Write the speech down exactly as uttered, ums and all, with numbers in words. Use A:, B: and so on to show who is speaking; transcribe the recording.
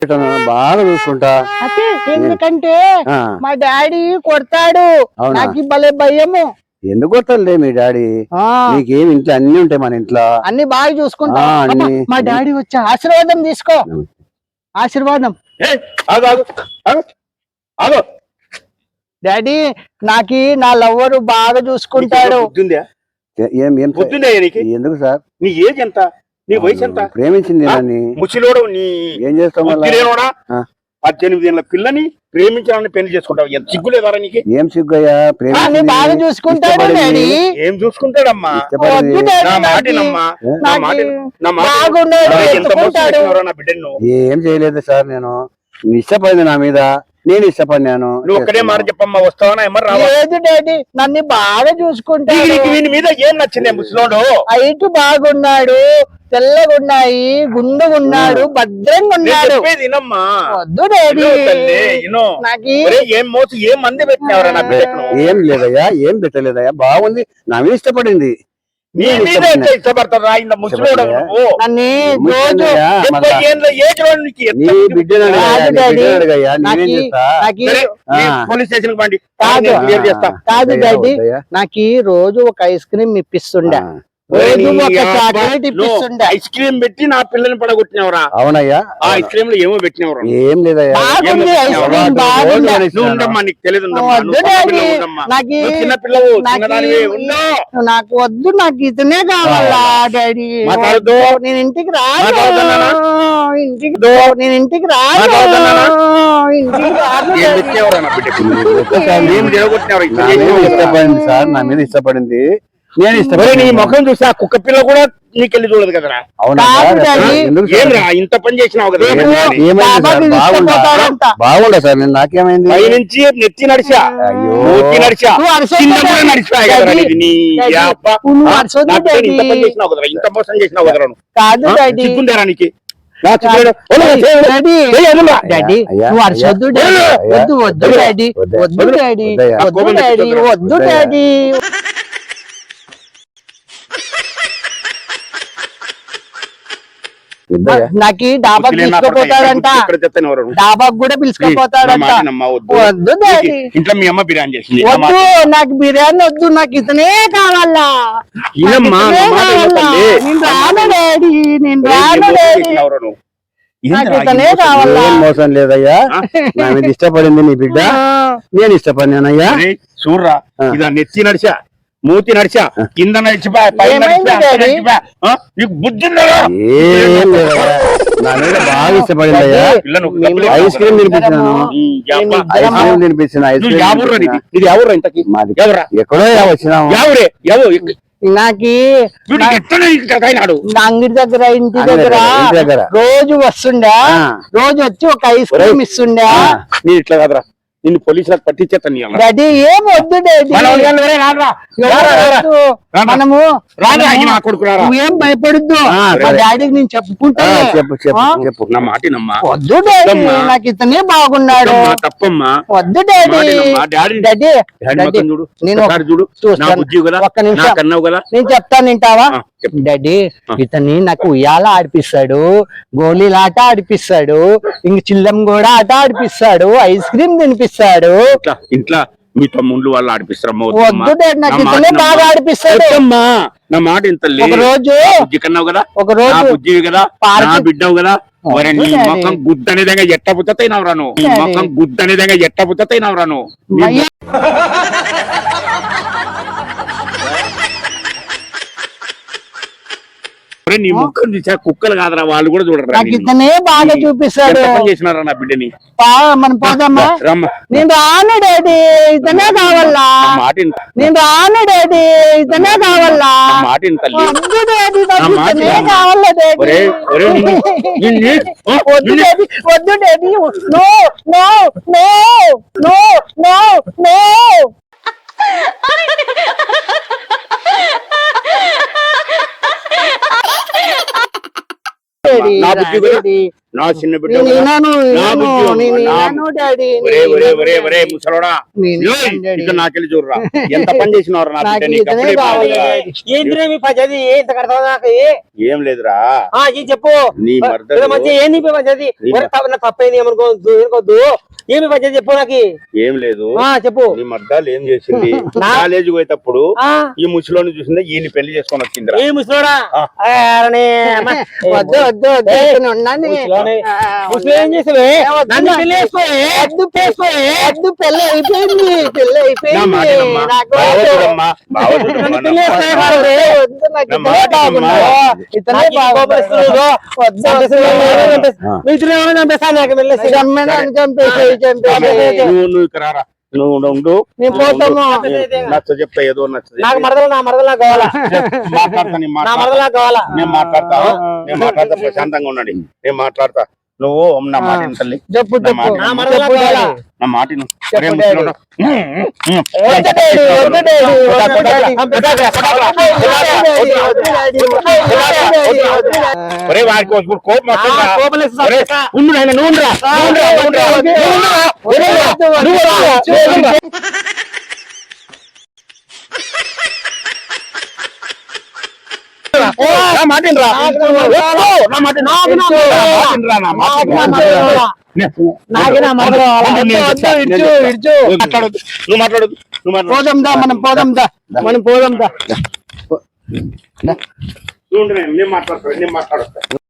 A: బాగా చూసుకుంటా.
B: అదే ఎందుకంటే మా డాడీ కొడతాడు, నాకు భలే భయము.
A: ఎందుకు కొడతాడులే మీ డాడీ, నీకేమి ఇంట్లో అన్ని ఉంటాయి మన ఇంట్లో,
B: అన్ని బాగా చూసుకుంటా. మా డాడీ వచ్చి ఆశీర్వాదం తీసుకో. ఆశీర్వాదం. డాడీ నాకు నా లవ్వరు బాగా చూసుకుంటాడు.
A: ఎందుకు సార్,
C: నీ ఏజ్ ఎంత, నీ వయసు ఎంత?
A: ప్రేమించింది
C: ముచ్చిలోడు నీ
A: ఏం చేస్తావు?
C: పద్దెనిమిది ఏళ్ళ పిల్లని ప్రేమించాలని పెళ్లి చేసుకుంటావు, ఎంత సిగ్గులేదారా నీకు?
A: ఏం సిగ్గుయ్యా, ప్రేమ
B: బాగా చూసుకుంటాడు.
C: ఏం చూసుకుంటాడమ్మా? నా మాటినమ్మా, నా మాట నా బిడ్డను
A: ఏం చేయలేదు సార్, నేను ఇష్టపడింది నా మీద, నేను ఇష్టపడినాను.
C: నువ్వు ఒక్కడే మాట చెప్పమ్మా, వస్తావా ఏమన్నా
B: రాలేదు డాడీ, నన్ను బాగా చూసుకుంటాడు.
C: వీని మీద ఏం నచ్చింది? ముసలోడు
B: హైట్ బాగున్నాడు, తెల్లగా ఉన్నాయి, గుండుగా ఉన్నాడు, భద్రంగా ఉన్నాడు. వద్దు డాడీ,
C: ఏం మోసం ఏం మంది పెట్టినవరా నా బిడ్డను?
A: ఏం లేదయ్యా, ఏం పెట్టలేదయ్యా, బాగుంది, నా మీద ఇష్టపడింది.
C: నీ మీద ఇష్టపడతారా ఇంత ముసలోడు? పోలీస్ స్టేషన్ పండి
B: కాదు డాడీ, నాకు రోజు ఒక ఐస్ క్రీమ్ ఇప్పిస్తుండే,
C: ఐస్ క్రీమ్ పెట్టి నా పిల్లని పడగొట్టినవరా?
A: అవునయ్యా,
C: ఆ ఐస్ క్రీమ్ లో ఏమో పెట్టినవరా?
A: ఏం లేదయ్యా,
C: నువ్వు ఉండమ్మా, నీకు తెలియదు, చిన్న పిల్లవు,
B: నాకు వద్దు, నాకు ఇతనే కావాలా డాడీ. నేను ఇంటికి రాను, ఇంటికి నేను ఇంటికి రాను, ఇంటికి
A: ఇష్టపడింది సార్, నా మీద ఇష్టపడింది, నేను ఇష్టపడి.
C: నీ ముఖం చూసి ఆ కుక్క పిల్ల కూడా నీకెళ్ళి చూడదు కదరా? ఏమ్రా ఇంత పని చేసినావు కదా?
A: బాగుండా సార్, నేను నాకేమైంది?
C: పై నుంచి నెత్తి నడిచా, మూతి నడిచా, కింద కూడా నడిచిపోయా కదరా? ఇంత పని చేసినావు కదరా, ఇంత మోసం చేసినావు కదరా? సిగ్గుందేరా నీకు?
B: వద్దు వద్దు డాడీ, వద్దు డాడీ, వద్దు డాడీ, వద్దు డాడీ. నాకు డాబా తీసుకుపోతాడంట, డాబాకు కూడా పిలుచుకుపోతాడంట. వద్దు డాడీ,
C: ఇంట్లో మీ అమ్మ బిర్యానీ చేసింది.
B: వద్దు, నాకు బిర్యానీ వద్దు, నాకు ఇతనే కావాలా. నేను రాను డాడీ, నేను రాను డాడీ, నాకు ఇతనే కావాలా.
A: మోసం లేదయ్యా, నా మీద ఇష్టపడింది నీ బిడ్డ, నేను ఇష్టపడినానయ్యా.
C: చూడరా, ఇదా నెత్తి నడిచా, మూతి నడిచా, కింద నడిచిపోయా, పైన నడిచిపోయా, నీకు బుద్ధి
A: నా మీద బాగా ఇష్టపడిందయ్యా. ఐస్ క్రీమ్ తినిపించినాను, ఐస్ క్రీమ్ తినిపించిన.
C: ఇది ఎవరు ఇంతకి?
A: ఎక్కడో వచ్చినాము.
C: ఎవరే ఎవరు?
B: నాకి
C: నాడు
B: అంగడి దగ్గర, ఇంటి దగ్గర రోజు వస్తుండే, రోజు వచ్చి ఒక ఐస్ క్రీమ్ ఇస్తుండే.
C: నీ ఇట్లా కదరా, నిన్ను పోలీసులకు పట్టించేస్తాను.
B: డాడీ ఏం వద్దు డాడీ, మనము ఏం భయపడద్దు, మా డాడీకి నేను చెప్పుకుంటా.
A: చెప్పు,
C: నా మాట నమ్మా.
B: వద్దు డాడీ, నాకు ఇతనే బాగున్నాడు.
C: తప్పమ్మా,
B: వద్దు డాడీ. డాడీ నేను ఒక్క నిమిషం నేను చెప్తాను, వింటావా? డాడీ ఇతని నాకు ఉయ్యాల ఆడిపిస్తాడు, గోళీలాట ఆడిపిస్తాడు, ఇంక చిల్లం కూడా ఆట ఆడిపిస్తాడు, ఐస్ క్రీమ్ తినిపిస్తాడు.
C: ఇంట్లో మీ తమ్ముళ్ళు వాళ్ళు ఆడిపిస్తారమ్మా.
B: వద్దు డాడీ, నాకు ఇతనే బాగా ఆడిపిస్తాడు.
C: నా మాట ఇంత
B: ఒక రోజు
C: బుజ్జి కన్నావు కదా,
B: ఒక రోజు
C: బుజ్జివి కదా, నా బిడ్డవు కదా, మరి నీ మొఖం గుద్ద అనేదంగా ఎట్ట పుత్తైనావు రాను, నీ మొఖం గుద్ద అనేదంగా ఎట్ట పుత్తైనావు రాను. నీ ముఖం చూసా కుక్కలు కాదరా, వాళ్ళు కూడా చూడరా.
B: ఇతనే బాగా చూపిస్తాడు.
C: చేసినారా నా బిడ్డని?
B: మనం పోదామా? నేను రాను డాడీ, ఇతనే కావాలా. నేను రాను డాడీ, ఇతనే కావాలా.
C: మాట
B: వద్దు డాడీ, ఇతనే కావాలా డాడీ. వద్దు డాడీ, వద్దు daddy, no no no no no no.
C: నా చిన్న బిడ్డ
B: నేను విన్నాను,
C: నా
B: విన్నాను,
C: బుద్ధి
B: నేను
C: నా-
B: విన్నాను డాడీ,
C: ఒరే
B: నేను
C: ఒరే
B: విన్నాను
C: ఒరే
B: డాడీ.
C: ఒరే ముసలోడా
B: నేను
C: ఏయ్,
B: విన్నాను డాడీ.
C: ఇక నాకెళ్ళి చూడరా ఎంత పని చేసినవారు నా
B: నాకు
C: బిడ్డ నీకు
B: ఇతనే
C: అప్పుడే
B: కావాలి.
C: బాగా.
D: ఏంద్రే మీ పద్ధతి ఇంత కడతావు నాకు
C: ఏం లేదురా
D: ఆ, ఈ చెప్పు
C: నీ
D: ఏదో
C: మర్దలు
D: మంచి ఏంది మీ పద్ధతి
C: నీ
D: ఒరే, తప్ప- నా తప్పైంది ఏమనుకోవద్దు ఏమనుకోవద్దు ఏమి పద్ధతి చెప్పు నాకు
C: ఏం లేదు
D: ఆ చెప్పు
C: నీ మర్దాలు ఏం చేసింది కాలేజీ పోయేటప్పుడు
D: ఆ
C: ఈ ముసలోని చూసిందే ఈయన పెళ్లి చేసుకొని వచ్చిందిరా
D: ఏ ముసలోడా
C: ఆ.
D: ఆ, అరే, అమ్మ.
B: వద్దు వద్దు వద్దు
D: ఏయ్,
B: ఇతను ఉన్నాను.
D: ముసలోనే.
B: ఆ,
D: ముసలి ఏం చేసావే
B: వద్దు
D: నన్ను
B: నాకు.
D: పెళ్లి చేసుకోవే
B: వద్దు చేసుకో- వద్దు పెళ్ళి అయిపోయింది పెళ్ళి
C: నా
B: అయిపోయింది
C: మాటినమ్మా.
B: నాకు
C: బావోదురమ్మా, బావోదురమ్మా,
D: నన్ను
C: నా
D: పెళ్లి
C: మాట
D: చేసుకోవే
C: వినమ్మా.
D: కాదు.
B: వద్దు నాకు
C: నా
B: ఇతనే
C: మాట
B: బాగున్నాడు.
C: వినమ్మా.
B: ఇతనే
D: నాకు ఈ కోపం
B: బాగున్నాడు.
D: వస్తుందో.
B: వద్దు,
D: చంపేసి-
B: వద్దు.
D: చంపేసి- మీ ఇద్దరు ఏమైనా చంపేస్తాను నాకు వెళ్ళేసి
B: చంపేనాన్ని చంపేసేయ్, చంపేసేయ్.
C: నువ్వు నువ్వు ఇక్కడ రారా నువ్వు ఉండు
B: నేను పోతాము.
C: నేను నచ్చ చెప్తా ఏదో నచ్చ
D: నాకు మరదలు నా మరదలు నాకు కావాలా
C: మాట్లాడతా నేను
D: నా
C: మాట్లాడతా
D: మరదలు నాకు కావాలా
C: నేను మాట్లాడతా నేను మాట్లాడతా ప్రశాంతంగా ఉండండి నేను మాట్లాడతా నువ్వు నా మాట విను తల్లి
B: చెప్పు
C: నా
B: చెప్పు
C: మాట
D: నా
C: విను.
D: మరదలు నాకు
B: చెప్పు
D: కావాలా
B: డాడీ.
C: నా మాట విను.
B: చెప్పు
C: ఒరే
B: డాడీ.
C: ముసలోడా.
B: వద్దు డాడీ, వద్దు డాడీ, వద్దు డాడీ.
C: ఒరే వాడికి ఒక కోపం వస్తుందా?
D: కోపం లేదు,
C: ఒరే, ఉండు నాయనా, నువ్వు ఉండురా. నువ్వు ఉండురా, నువ్వు ఉండురా. నువ్వు ఉండురా. ఒరే, నువ్వు ఉండురా. నా మాట వినరా. నా మాట విను. నా మాట వినరా, నా మాట వినరా.
B: నాకే నా మరదలు కావాలా?
C: నేను
B: వద్దు,
C: చెప్తా,
B: వద్దు,
C: నేను
B: ఇడ్చు,
C: చెప్తా.
B: ఇడ్చు.
C: నువ్వు మాట్లాడొద్దు నువ్వు మాట్లాడొద్దు నువ్వు మాట్లాడొద్దు
B: పోదాం దా మనం పోదాం దా మనం పోదాం దా
C: నువ్వు ఉండు, నేను నేను మాట్లాడతాను నేను మాట్లాడొస్తా